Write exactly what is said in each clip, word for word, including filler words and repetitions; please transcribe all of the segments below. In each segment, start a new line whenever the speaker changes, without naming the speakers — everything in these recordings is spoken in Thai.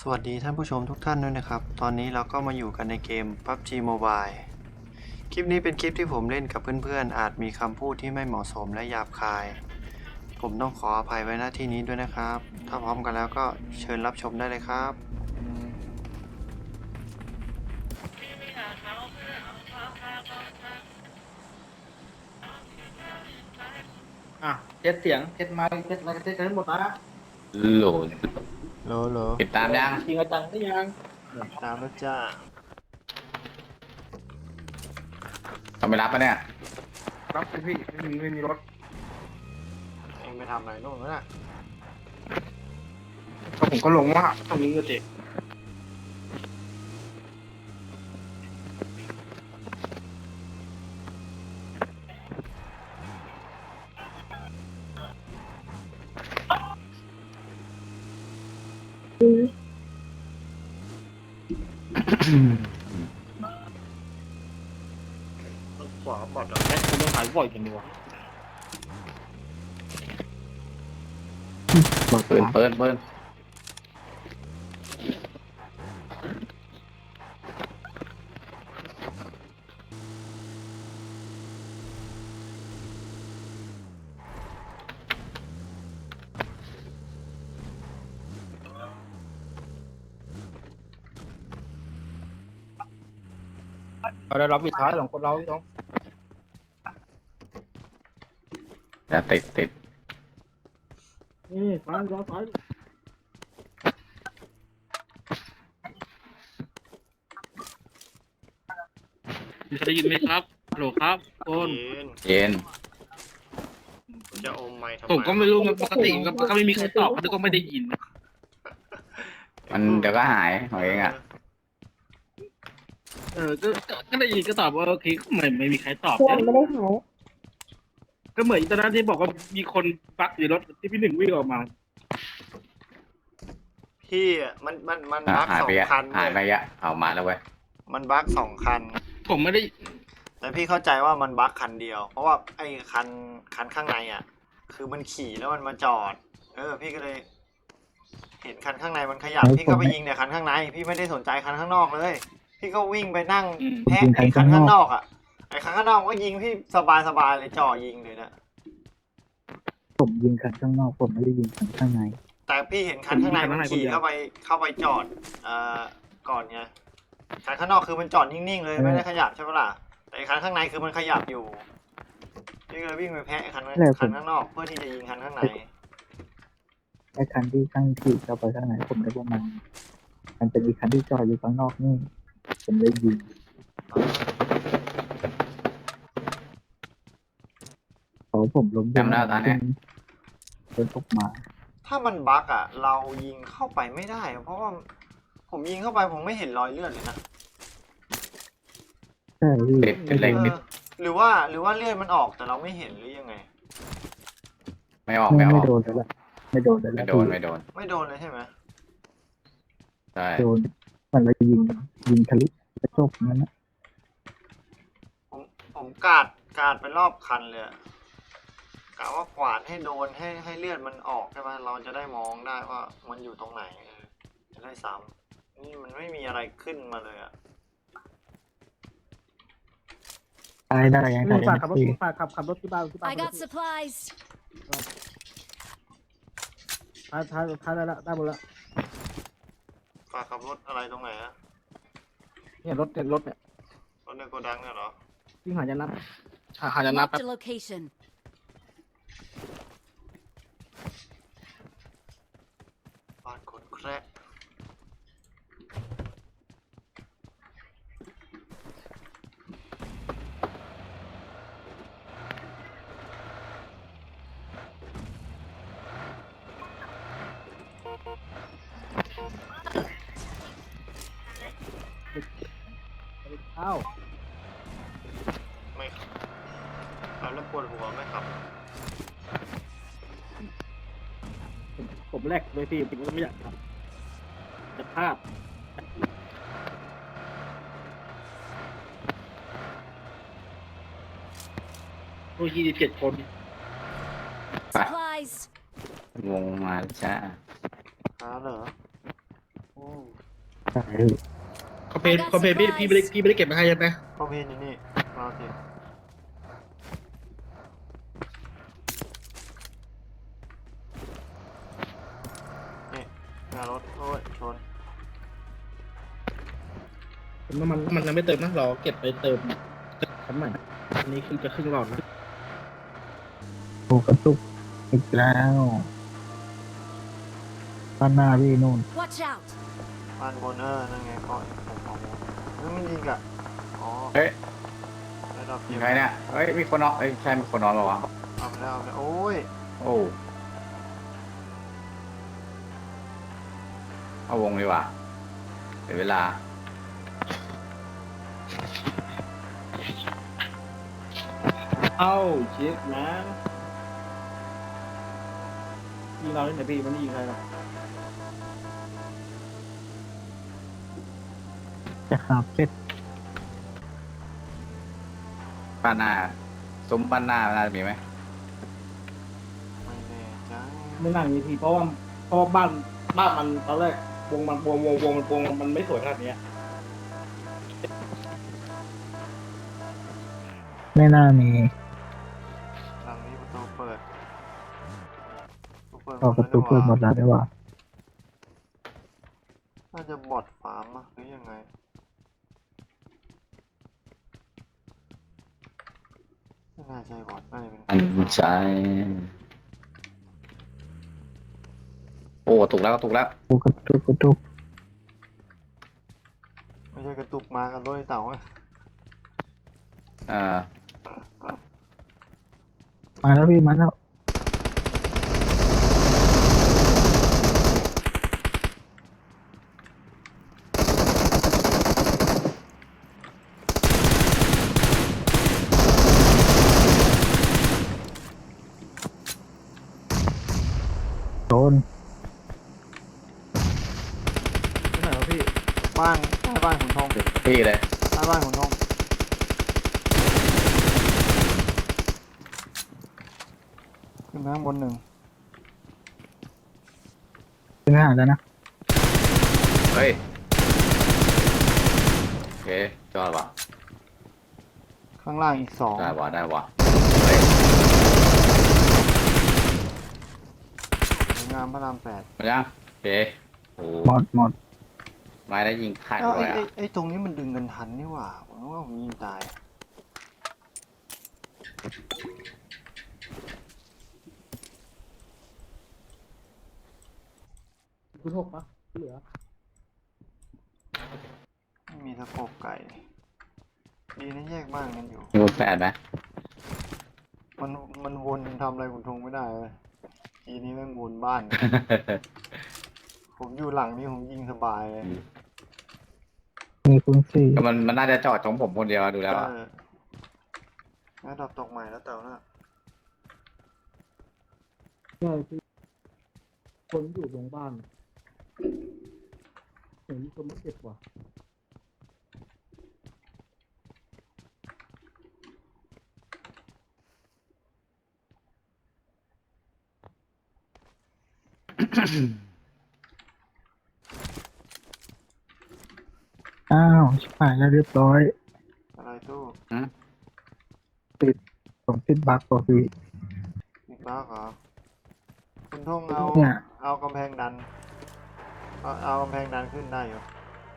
วัสดีท่านผู้ชมทุกท่านด้วยนะครับ ตอนนี้เราก็มาอยู่กันในเกม พับจี Mobile คลิปนี้เป็นคลิปที่ผมเล่นกับเพื่อนๆ อาจมีคำพูดที่ไม่เหมาะสมและหยาบคาย ผมต้องขออภัยไว้ณที่นี้ด้วยนะครับ ถ้าพร้อมกันแล้วก็เชิญรับชมได้เลยครับ
อ่ะเทสเสียงเทสไมค์เทสอะไรเทสกันหมดนะ
โหลด
โหลโหล
ติดตามยัง
จริงจังได้ยัง
ตามแล้วจ้า
ต้องไปรับปะเนี่ย
รับสิพี่ไม่มีไม่มีรถ
เองไปทำอะไรนู่นวะน่ะ
ก็ผมก็ลงว่าตรงนี้ก็เจ็บขวาบอดอ่ะแม่คุณต้องหายบ่อยกันดีวะ
เปิดเปิดเปิด
เราได้รับวิท้ายของคนเราพี่น้อง
จะติดติด
นี่ซ้ายซ้ายซ้ายมีใครได้ยินไหมครับฮัลโหลครับคน
เย็น
จะอมไม้ทำไม
ผมก็ไม่รู้ปกติก็ก็ไม่มีใครตอบเขาก็ไม่ได้ยิน
มันเดี๋ยวก็หายของเองอ่ะ
เออก็ก็ก็ได้ยินก็ตอบว่าโอเคไม่ไม่มีใครตอบ
เพื่อนไม่ได้หาย
ก็เหมือนตอนนั้นที่บอกว่ามีคนปักอยู่รถที่พี่หนึ่งวิ่งออกมา
พี่อะมันมันมัน
อ่ะ
บั๊ก
หาย
สอ
ไป
ง
อ่ะ
คัน
หายไป
เลย
อ่ะเอามาแล้วเว้ย
มันบั๊กสองคัน
ผมไม่ได้
แต่พี่เข้าใจว่ามันบั๊กคันเดียว เพราะว่าไอ้คันคันข้างในอ่ะ คือมันขี่แล้วมันมาจอด เออ พี่ก็เลย เห็นคันข้างในมันขยับ พี่ก็ไปยิงแต่คันข้างใน พี่ไม่ได้สนใจคันข้างนอกเลย พี่ก็วิ่งไปนั่งแพะไอ้คันข้างนอกอ่ะ ไอ้คันข้างนอกก็ยิงพี่สบายสบายเลยจ่อยิงเลยนะ
ผมยิงคันข้างนอกผมไม่ได้ยิงคันข้างใน
แต่พี่เห็นคันข้างในมันขี่เข้าไปเข้าไปจอดเอ่อก่อนไงคันข้างนอกคือมันจอดนิ่งๆเลยไม่ได้ขยับใช่ปะล่ะแต่คันข้างในคือมันขยับอยู่พี่ก็เลยวิ่งไปแพะคันคันข้างนอกเพื่อที่จะยิงคันข้างใน
ไอ้คันที่ข้างที่เข้าไปข้างในผมได้ว่ามัน มันเป็นอีกคันที่จอดอยู่ข้างนอกนี่ผมเลยยิงพอผมล้ม
จำได้ตอนเนี้ย
เดินออกมา
ถ้ามันบั๊กอ่ะ เรายิงเข้าไปไม่ได้ เพราะว่าผมยิงเข้าไปผมไม่เห็นรอยเลือดเลยนะ
ใช่พี่
ติดติดเล็กติด
เออหรือว่าหรือว่าเลือดมันออกแต่เราไม่เห็นหรือยังไง
ไม่ออก
ไม่
ไม่อ
ไม่
อก
โดนแล้วล่ะไม่โดนแล้ว
ไม่
ล่ะ
โดนไม่โดน
ไม่โดนเลยใช่ไหม
ใช่
โดนมันเลยยิงยิงทะลุกระจกนั้นนะ
ผมผมกาดกาดไปรอบคันเลยอะกะว่ากวาดให้โดนให้ให้เลือดมันออกใช่ไหมเราจะได้มองได้ว่ามันอยู่ตรงไหนเออจะได้ซ้ำนี่มันไม่มีอะไรขึ้นมาเลยอะ
ตายได้ยัง
ลุ
ตาย
ง
ได้
ฝากขับรถ
พี่
ฝากขับขับรถที่บ้านที่บ้าน
I got supplies.
ท้ายท้ายท้ายได้ละได้หมดละ
ฝากขับรถอะไรตรงไหนอะ
เนี่ยรถเนี่ยรถเนี่ย
รถในโกดังเนี่ยเหรอ
วิ่งหาจะนับหาหาจะนับ
Marked a location.
บ้านคนแคระ
อ้าว
ไม่ขับขับแล้วปวดหัวไม่ขับ
ผมแรกเลยพี่ผมก็ไม่อยากทำจะพลาดโอ้ยยี่สิบเจ็ดคน
Supplies.
วงมาจ้า
หาเหรอโอ้
ช่พี่
คอมเพลนคอมเพลนพี่พี่ไม่ได้พี่ไม่ได้เก็บมาให้ใช่ไหม
ก็เพนอยู่นี่รอสินี่หน้ารถโอ้ยชน
ผมน้ำมันน้ำมันยังไม่เติมนะรอเก็บไปเติมคันใหม่อันนี้คือจะครึ่งหลอดนะ
โอ้กระตุกอีกแล้วด้านหน้าพี่นู่น
Watch out!
บ้านบนเออนั่นไงก็ผมเอาแล้วมันยิงอะอ๋อ
เฮ้ย
ได้ดอก
ยิ
เก็
ง
บ
ใครเนี่ยเฮ้ยมีคนนอนเอ้ยใช่มีคนนอนเหรอวะ
เอาไปแล้วเอาไปแล้วโอ้ย
โอ้เอาวงดีกว่าเดี๋ยวเวลา
เอ้าเช็คนะยิงเราเนี่ยพี่มันไม่ยิงใครหรอก
จะขาเป็ด
บ้านหน้าซุ้มบ้านหน้าน่าจะมีไหม
ไม่แน่ใจ
ไม่นั่งยีทีเพราะว่าเพราะว่าบ้านบ้านมันตอนแรกวงมันวงวงวงมันวงมันไม่สวยขนาดเนี้ย
ไม่น่ามี
หลังนี้ประตูเปิดประ
ออกประตูเปิดหมดแล้วได้ว่า
น่าจะบอดฟาร์มอะหรือยังไงไม่น่าใช่บอดน่าจะเป็น
อันใช่โอ้ถูกแล้วถูกแล้ว
โอ้กระตุกกระตุก
ไม่ใช่กระตุกมากันรถไอ้เต่าอะ
เอ่อ
มาแล้วพี่มาแล้ว โดน
ไม่ไหนวะพี่
บ้านใต้บ้านขุนทอง
พี่เลย
ใต้บ้านขุนทองขึ้นไปข้างบนหนึ่ง
เป็นทหารแล้วนะ
เฮ้ยโอเคจอดว่ะ
ข้างล่างอีกสอง
ได้ว่ะได้ว่ะเฮ้ย
สวยงามพระรามแปด
มายังโอเคโอ้
หมดหมด
ไม้ได้ยิงขาด
เอ้า
เล
ไอ้
ย
ไอ้
อ่ะ
ไอ้ตรงนี้มันดึงกันทันนี่หว่าผมว่าผมยิงตาย
คุณหกปะเหลือ
ไม่มีสะโพกไก่ดีนะแยกบ้านกันอยู่
มีคนแปดไหม
มันมันวนทำอะไรขุนทองไม่ได้เลยทีนี้แม่งวนบ้าน ผมอยู่หลังนี่ผมยิงสบายเลย
มีคุณสี่
ก็มันมันน่าจะจอดของผมคนเดียวดูแล้วอะ
เออแล้วดับตกใหม่แล้วเต่าน่ะ
ใช่พี่คนอยู่ตรงบ้านเห็นคนไม่เก็บว่ะ
อ้าวชิบหายแล้วเรียบร้อย
อะไรตู้
อืม
ติดผมติดบั๊กกว่าพี่
อีกบ้าเหรอคุณทงเอา
เนี่ย
เอากำแพงดันเอาเอากำแพงดันขึ้นได้อยู่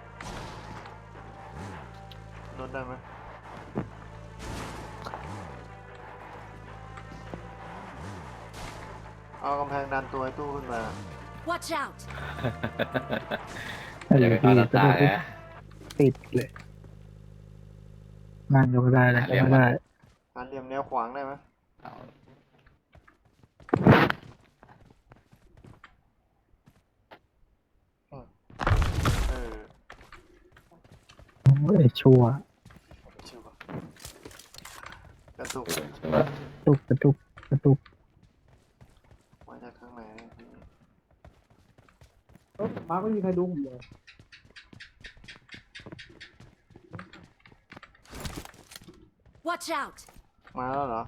ลดได้ไหมเอากำแพงดันตัวไอ้ตู้ขึ้นไปอะ
Watch out!
ไอ้
อย่าไป
พี่
เข้าตา
จะ
ตา
ได้
เลยนะ
ติดเลยนั่งก็ไม่ได้เลยก็ไม่ได้
การเหลี่ยมแนวขวางได้ไหม
เอา
เออ
โอ้ยชัวร์
ชิวอะกระตุก
ใช่ไหม
กระตุกกระตุกกระตุก
มาจากข้างในเนี่ยพี่
เอ้ามาไม่มีใครดูผมเลย
Watch out!
มาแล้วเหรอ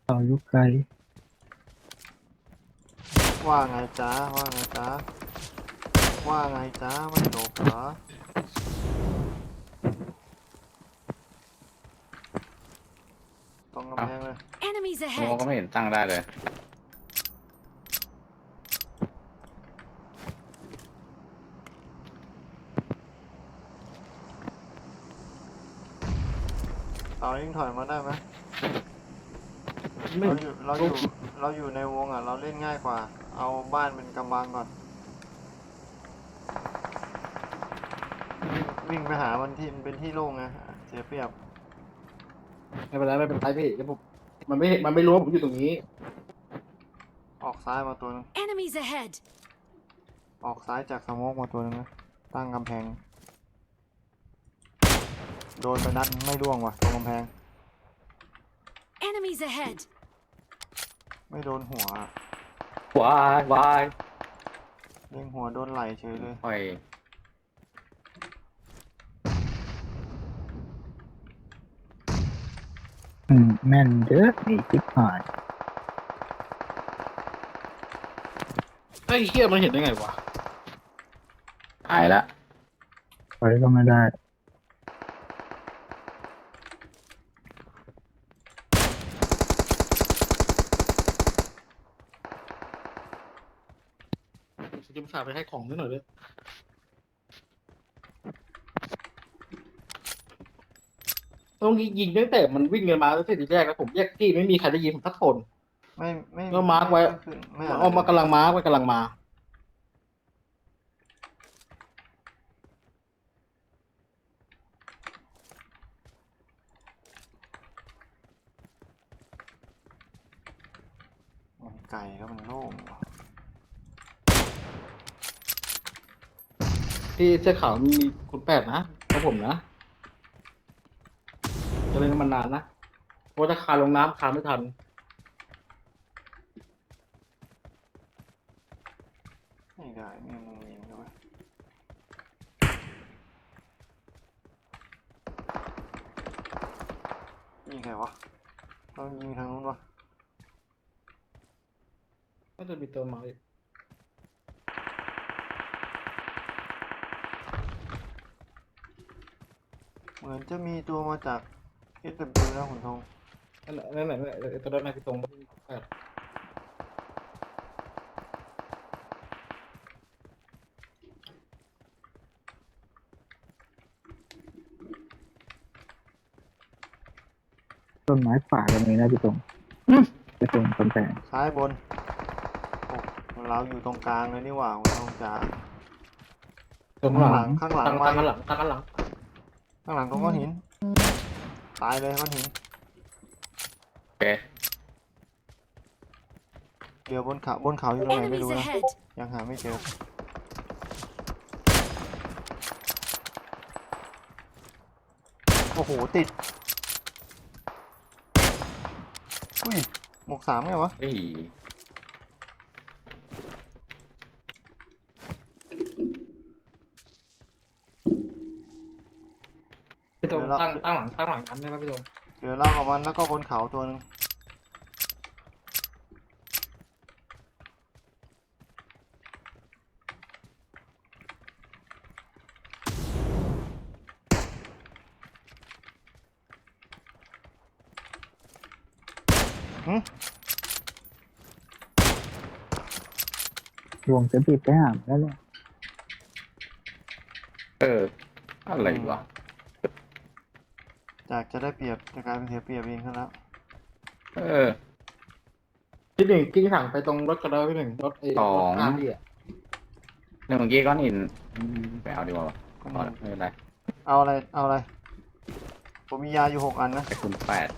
เราอยู่ไกล
ว่าไงจ๊ะว่าไงจ๊ะว่าไงจ๊ะไม่จบเหรอตรงกำแพงเลย
Enemies
โม
ahead!
ก็ไม่เห็นตั้งได้เลย
เรายิ่งถอยมาได้ไหม
ไม่
เราอยู่เราอยู่เราอยู่ในวงอ่ะ เราเล่นง่ายกว่า เอาบ้านเป็นกำบังก่อน วิ่งวิ่งไปหามันที่มันเป็นที่โล่งไงเสียเปรียบ
ไม่เป็นไรไม่เป็นไรพี่เดี๋ยวผมมันไม่มันไม่รู้ว่าผมอยู่ตรงนี้
ออกซ้ายมาตัวนึง
Enemies ahead!
ออกซ้ายจากสโมกมาตัวนึงนะตั้งกำแพง โดนไปนัดไม่ร่วงว่ะตรงกำแพง
Enemies ahead!
ไม่โดนหัวอะ
วายวาย
เล็งหัวโดนไหลเฉยเลย
ค่อย
อืมแม่นเด้อไอ้ทิพหาย
ไอ้เหี้ยมันเห็นได้ไงวะ
หายละ
ไปก็ไม่ได้
จะมาฝากไปให้ของนิดหน่อยด้วยต้องยิงตั้งแต่มันวิ่งกันมาตั้งแต่ทีแรกแล้วผมแยกที่ไม่มีใครได้ยินผมสักคน
ไม่ไม่
ก็มาร์คไว้
ขึ้นไม่
มัน
อะไร
เอามากำลังมาร์คไว้กำลังมา
มันไก่แล้วมันโล่งว่ะ
ที่เสื้อขาวมีคุณแปดนะของผมนะจะเล่นมันนานนะเพราะถ้าคาลงน้ำคาไม่ทัน
ไม่ได้ไม่มึงยิงด้วยยิงใครวะต้องยิงทางนู้นวะ
ก็จะมีตัวมาอีก
เหมือนจะมีตัวมาจาก เอส ดับเบิลยู นะคุณทอง
นั่นแหละนั่นแหละนั่นแหละไอ้ตัวนั้นน่ะคือตรงแปด
ต้นไม้ป่าตรงนี้นะพี่ตรงพี่ตรงกำแพง
ซ้ายบนโอ้เราอยู่ตรงกลางเลยนี่หว่าคุณทองจ๋า
ตรง
ข้าง
ห
ห
ลั
ลั
ง
งข้างหลัง
ตั้ง
มา
ตั้งกันหลังตั้งกันหลัง
ข้างหลังตรงก้อนหิน ตายเลยก้อนหิน
โอเค
เดี๋ยวบนเขาบนเขาอยู่ตรงไหนไม่
Enemies
รู้นะ
ahead!
ยังหาไม่เจอ โอ้โห ติด อุ้ย หมวกสามไงวะ
เฮ้ย
พี่ตรงตั้งตั้งหลังตั้งหลังกันได้ไหมพี่ตรง
เดี๋ยวเล่ากับมันแล้วก็บนเขาตัวหนึงหึ
วงจะบีบไปหามแล้วแหละ
เออ อะไรวะ
จากจะได้เปรียบจะกลายเป็นเสียเปรียบเองซะแล้ว
เออ
พี่หนึ่งกิ้งถังไปตรงรถกระเดาพี่หนึ่งรถไอ้
สอง
รถกาพี่อ่ะ
เรื่องเมื่อกี้ก้อนหินอืมไปเอาดีกว่าวะ
ก้อน
พอ
หิน
ละไม่เป็นไร
เอาอะไร เอาอะไร ผมมียาอยู่หกอันนะ
ไปคุณแปด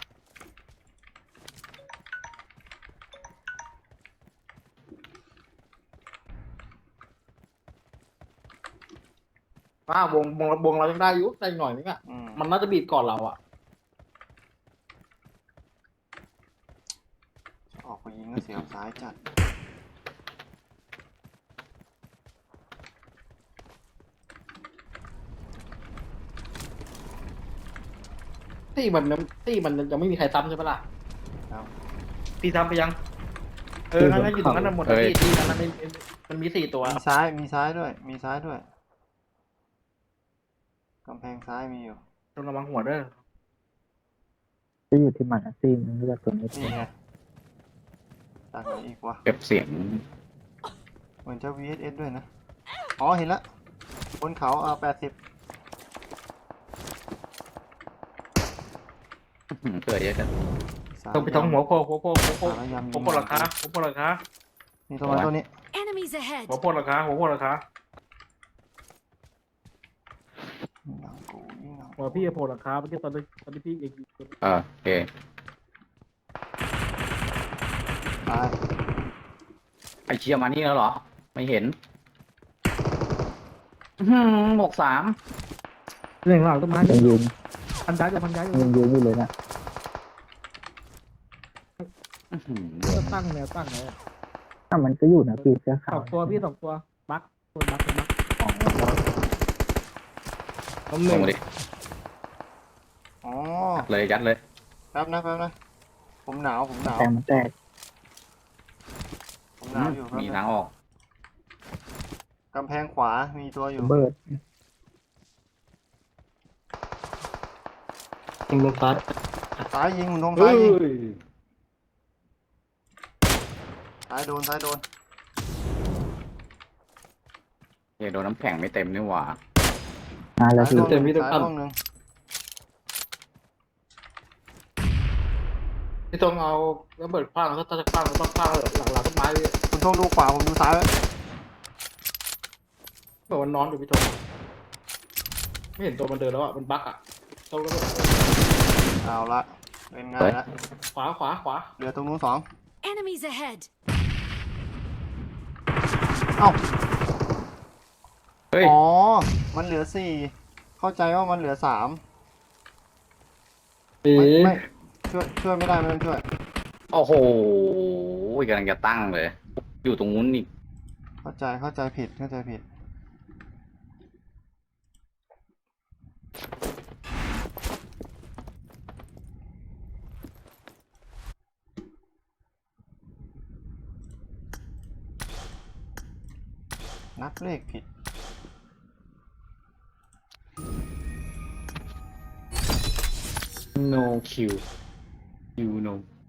ป้าวงวงวงเรายังได้อยู่ได้หน่อยนึงอ่ะ
อืม
มันน่าจะบีบก่อนเราอ่ะ
ออกไปยิงก็เสียวซ้ายจัด
ตี้มันยังตี้มันยังไม่มีใครซ้ำใช่ปะล่ะ
ครับ
พี่ทำไปยัง เอองั้นอยู่ตรงนั้นนะหมดที่ที่นั้นมันมันมีสี่ตัว
มีซ้ายมีซ้ายด้วย มีซ้ายด้วยกำแพงซ้ายมีอยู่
ต้องระวังหัวเด้อ
จะอยู่ที่มันอะซีนึงเลือกตัวนี้
นี่ไงจากไหนอีกวะ
เก็บเสียง
เหมือนจะ วี เอส เอส ด้วยนะ อ๋อ เห็นละบนเขาเอาแปดสิบ
อืมเกิดเยอะจัง
ต้องไปท้องหัวโคหัวโคหัวโค
สารยำ
หัวโคราคาหัวโคราคา
นี่ตัวนี้ตัวนี้
Enemies ahead!
หัวโคราคาหัวโคราคา
ยิงหลังกูยิงหลัง
หัวพี่โคราคาเมื่อกี้ตอนนี้ตอนนี้พี่เอง
เออโอเค
ตาย
ไอเชียมานี่แล้วเหรอ ไม่เห็นอื้อหือหมวกสาม
เรื่องหลังต้นไม้
ยังยืน
พันย้ายอยู่พันย้ายอยู่
ยังยืนอยู่เลยนะ
อื้อหือ
ก็ตั้งแนวตั้งเลย
ถ้ามันก็อยู่นะพี่เสื้อ
ส
ขาว
องตัวพี่สองตัวบักตัวบักตัวบัก
อ๋อ
ล้มห
ล
นึ่
ง
ง
มาดิ
อ๋อ
ยัดเลยยัดเลย
แป๊บนะแป๊บนะ ผมหนาว ผมหนาว
แต่มันแตก
ผมหนาวอยู่แป๊บ
มี
นึ
ทาง
ง
ออก
กำแพงขวา มีตัวอยู่
เบิร์ด
ยิงลงซ้าย
ซ้ายยิงหุ่นทง
เฮ้
ซ้าย
ย
ยิง ซ้ายโดน ซ้ายโดน
เฮ้ยโดนน้ำแข็งไม่เต็มนี่หว่า
มาแล้ว
ซ้าย
พี่
โดนหนึ่งซ้ายโดนหนึ่ง
พี่ต้องเอาระเบิดคว้างแล้วถ้าจะคว้างต้องคว้างหลังหลังต้นไม้พี่
คุณทงดูขวา ผมดูซ้ายไว้
บอกว่านอนอยู่พี่ทงไม่เห็นตัวมันเดินแล้วอ่ะมันบักอ่ะต้องระเบิด
เอาละ เป็นไงละ
ขวาขวาขวา
เหลือตรงนู้นสอง
Enemies ahead!
เอ้า
เฮ้ย
อ๋อ มันเหลือสี่ เข้าใจว่ามันเหลือสาม
ปี
ไม่ไม่ช่วยช่วยไม่ได้ไม่ต้องช่วย
โอ้โหกำลังจะตั้งเลย อยู่ตรงนู้นอีก
เข้าใจเข้าใจผิดเข้าใจผิด นับเลขผิด
no kill you no